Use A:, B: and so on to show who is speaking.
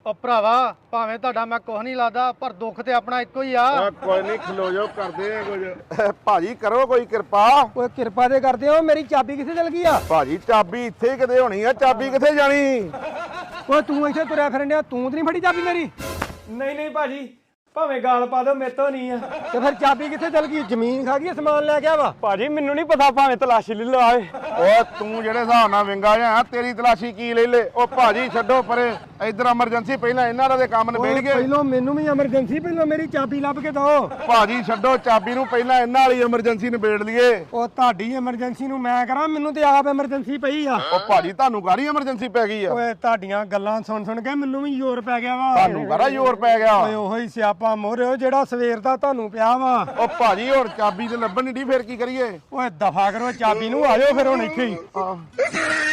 A: ਉਹ ਭਰਾਵਾ ਭਾਵੇਂ ਤੁਹਾਡਾ ਮੈਂ ਕੁਝ ਨਹੀਂ ਲਾਦਾ ਪਰ ਦੁੱਖ ਤੇ ਆਪਣਾ ਇੱਕੋ ਹੀ ਆ।
B: ਕੋਈ ਨਹੀਂ ਖਲੋ ਜਾਓ ਕਰਦੇ ਆ ਕੁਝ ਭਾਜੀ ਕਰੋ ਕੋਈ ਕਿਰਪਾ।
C: ਓਏ ਕਿਰਪਾ ਤੇ ਕਰਦੇ ਹੋ, ਮੇਰੀ ਚਾਬੀ ਕਿੱਥੇ ਚਲ ਗਈ ਆ?
B: ਭਾਜੀ ਚਾਬੀ ਇੱਥੇ ਹੀ ਕਿਤੇ ਹੋਣੀ ਆ, ਚਾਬੀ ਕਿੱਥੇ ਜਾਣੀ?
C: ਓਏ ਤੂੰ ਇੱਥੇ ਤੁਰਿਆ ਫਿਰਨ ਡਿਆ, ਤੂੰ ਤੇ ਨਹੀਂ ਫੜੀ ਚਾਬੀ ਮੇਰੀ?
D: ਨਹੀਂ ਭਾਜੀ, ਭਾਵੇਂ ਗਾਲ ਪਾ ਦੋ ਮੇਰੇ ਤੋਂ ਨਹੀਂ ਆ।
C: ਤੇ ਫਿਰ ਚਾਬੀ ਕਿੱਥੇ ਚਲ ਗਈ? ਜ਼ਮੀਨ ਖਾ ਗਈ, ਸਮਾਨ ਲੈ ਗਿਆ ਵਾ?
D: ਭਾਜੀ ਮੈਨੂੰ ਨਹੀਂ ਪਤਾ, ਭਾਵੇਂ ਤਲਾਸ਼ੀ ਲੈ ਲਓ ਆਏ।
B: ਓ ਤੂੰ ਜਿਹੜੇ ਹਿਸਾਬ ਨਾਲ ਵਿੰਗਾ ਜਾਂ ਤੇਰੀ ਤਲਾਸ਼ੀ ਕੀ ਲੈ ਲੇ? ਓ ਭਾਜੀ ਛੱਡੋ ਪਰੇ, ਇਧਰ ਐਮਰਜੈਂਸੀ ਪਹਿਲਾਂ ਇਹਨਾਂ ਦੇ ਕੰਮ ਨਿਬੇੜ ਗਏ।
C: ਪਹਿਲਾਂ ਮੈਨੂੰ ਵੀ ਐਮਰਜੈਂਸੀ, ਪਹਿਲਾਂ ਮੇਰੀ ਚਾਬੀ ਲੱਭ ਕੇ ਦਿਓ।
B: ਭਾਜੀ ਛੱਡੋ ਚਾਬੀ ਨੂੰ, ਪਹਿਲਾਂ ਇਹਨਾਂ ਵਾਲੀ ਐਮਰਜੈਂਸੀ ਨਿਬੇੜ ਲਈਏ।
C: ਉਹ ਤੁਹਾਡੀ ਐਮਰਜੈਂਸੀ ਨੂੰ ਮੈਂ ਕਰਾਂ, ਮੈਨੂੰ ਤੇ ਆਪ ਐਮਰਜੈਂਸੀ ਪਈ ਆ।
B: ਓ ਭਾਜੀ ਤੁਹਾਨੂੰ ਕਾਹਦੀ ਐਮਰਜੈਂਸੀ ਪੈ ਗਈ ਆ?
C: ਓਏ ਤੁਹਾਡੀਆਂ ਗੱਲਾਂ ਸੁਣ ਕੇ ਮੈਨੂੰ ਵੀ ਜ਼ੋਰ ਪੈ ਗਿਆ ਵਾ।
B: ਤੁਹਾਨੂੰ ਕਾਹਦਾ ਜ਼ੋਰ ਪੈ ਗਿਆ?
C: ਓਏ ਉਹੋ ਹੀ ਸਿਆਪਾ ਮੋਰਿਓ ਜਿਹੜਾ ਸਵੇਰ ਦਾ ਤੁਹਾਨੂੰ ਪਿਆ ਵਾ।
B: ਓ ਭਾਜੀ ਹੋਰ ਚਾਬੀ ਤੇ ਲੱਭਣ ਨਹੀਂ ਢੀ, ਫਿਰ ਕੀ ਕਰੀਏ?
C: ਓਏ ਦਫਾ ਕਰੋ ਚਾਬੀ ਨੂੰ, ਆਜੋ ਫਿਰ ਹੁਣ ਇੱਥੇ ਹੀ।